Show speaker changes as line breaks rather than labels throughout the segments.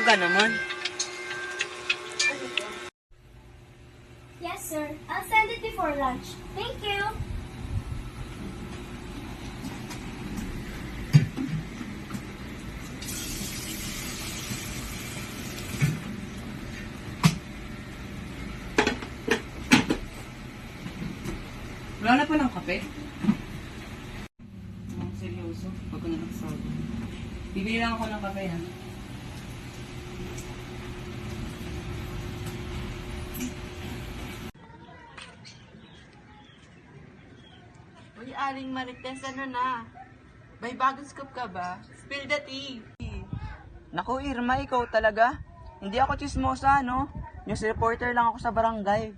aga naman.
Yes, sir. I'll send it before lunch. Thank you.
Wala na palang kape? Seryoso, pag ko na nagsabi. Bibili lang ako ng kape, ha?
Uy, Aling Marites, ano na? May bagong scoop ka ba? Spill the tea.
Naku, Irma, ikaw talaga? Hindi ako chismosa, no? News reporter lang ako sa barangay.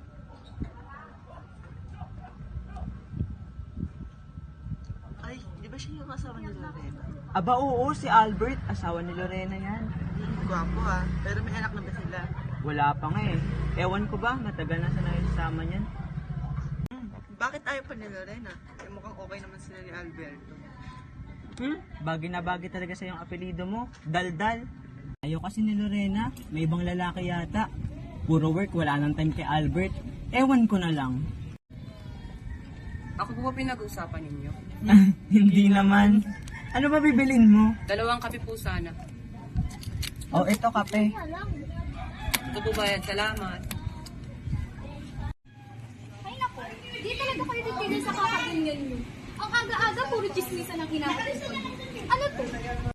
Ay, di ba siya yung asawa ni Lorena?
Aba, oo, si Albert. Asawa ni Lorena yan.
Gwapo ah, pero may anak na ba sila?
Wala pa nga eh. Ewan ko ba, matagal na sa nakisama niyan.
Bakit ayaw pa ni Lorena? Eh, mukhang okay naman sila ni Alberto.
Bagay na bagay talaga sa yung apelido mo. Daldal. Ayaw kasi ni Lorena, may ibang lalaki yata. Puro work, wala nang time kay Albert. Ewan ko na lang.
Ako po ba pinag-uusapan ninyo?
Hindi naman. Ano ba bibilin mo?
2 kape po sana.
Oh, ito kape.
Ito po bayad. Salamat.
Ay, naku. Di talaga kayo titigil sa kakaganyan nyo. Ang aga-aga, puro chismisan ang kinakain. Ano to?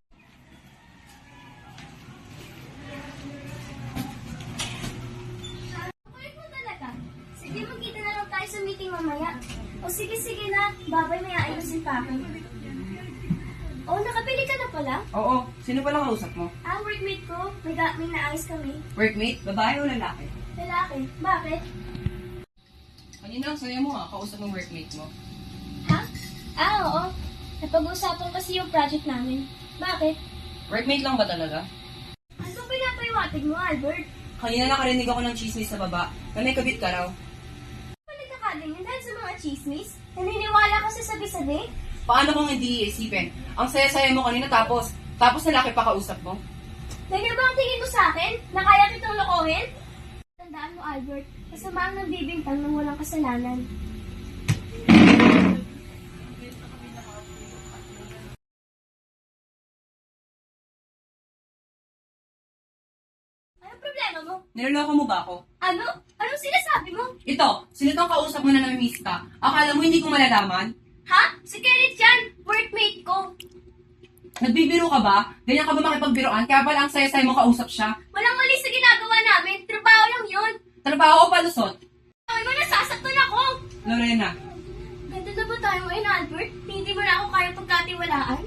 Kulit mo talaga. Sige, magkita na lang tayo sa meeting mamaya. O sige na. Babay, may aayusin pa ako. Oh, nakabili ka na pala?
Oo. Sino palang kausap mo?
Workmate ko. May naayos kami.
Workmate? Babae o lalaki?
Lalaki. Bakit?
Kanina ang saya mo ha. Kausap ng workmate mo.
Ha? Oo. Napag-uusapan kasi yung project namin. Bakit?
Workmate lang ba talaga?
Ano bang pinapahiwatig mo, Albert?
Kanina nakarinig ako ng chismis sa baba na may kabit ka raw.
Ano nagkakaganyan dahil sa mga chismis? Naniniwala ka sa sabi-sabi?
Paano kung hindi iisipin? Ang saya-saya mo kanina tapos lalaki pa kausap mo?
Ganyan ba ang tingin mo sa akin? Na kaya kitang lokohin? Tandaan mo, Albert, kasama ang nagbibintang ng walang kasalanan. Anong problema mo?
Niloloko mo ba ako?
Ano? Anong sinasabi mo?
Ito, sino tong kausap mo na namimiss ka? Akala mo hindi ko malalaman?
Ha? Si Kenneth yan! Workmate ko!
Nagbibiro ka ba? Ganyan ka ba makipagbiroan? Kaya pala ang saya-saya mo kausap siya?
Walang mali sa ginagawa namin. Trabaho lang yun.
Trabaho o palusot?
Ay mo, nasasaktan ako!
Lorena,
Ganda na ba tayo ngayon, Albert? Hindi mo na ako kaya pagkatiwalaan?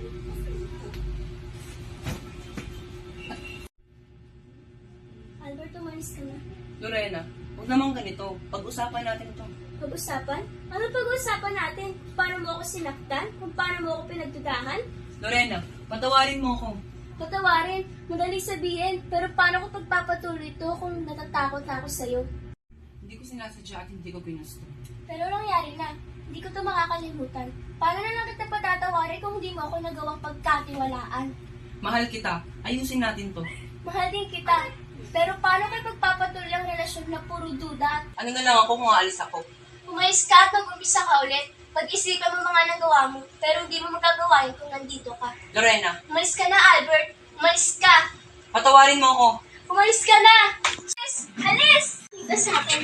Albert, umalis ka na.
Lorena, huwag naman ganito. Pag-usapan natin ito.
Pag-usapan? Ano pag-usapan natin? Paano mo ako sinaktan? Kung paano mo ako pinagdudahan?
Lorena, patawarin mo ako.
Patawarin, madaling sabihin, pero paano ko pagpapatuloy ito kung natatakot na ako sa'yo?
Hindi ko sinasadya at hindi ko pinusto.
Pero nangyari na, hindi ko ito makakalimutan. Paano na lang kita patatawarin kung hindi mo ako nagawang pagkatiwalaan?
Mahal kita. Ayusin natin to.
Mahal din kita. Pero paano kayo pagpapatuloy ang relasyon na puro duda?
Ano na lang ako kung aalis ako?
Umayos ka at mag-umpisa ka ulit. Pag-isipan mo mga nagawa mo, pero hindi mo magagawa yun kung nandito ka.
Lorena,
Umalis ka na, Albert. Umalis ka.
patawarin mo ako.
Umalis ka na. Alis! Alis! Dito sa akin.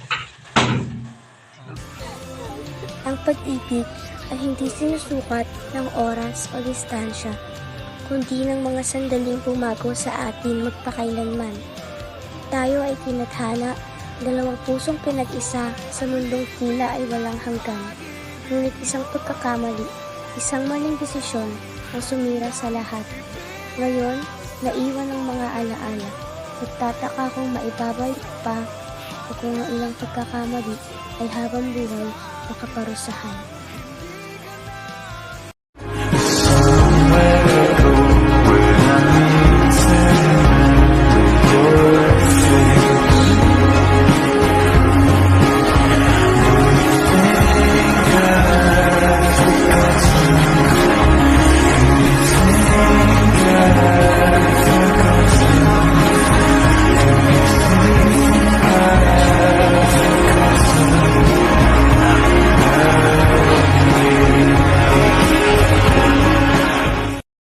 Ang pag-ibig ay hindi sinusukat ng oras o distansya, kundi ng mga sandaling pumago sa atin magpakailanman. Tayo ay tinadhana, dalawang pusong pinag-isa sa mundong tila ay walang hanggan. Ngunit isang pagkakamali, isang maling desisyon ang sumira sa lahat. Ngayon, naiwan ang mga alaala. Nagtataka kung maibabalik pa o kung ang ilang pagkakamali ay habang buhay makaparusahan.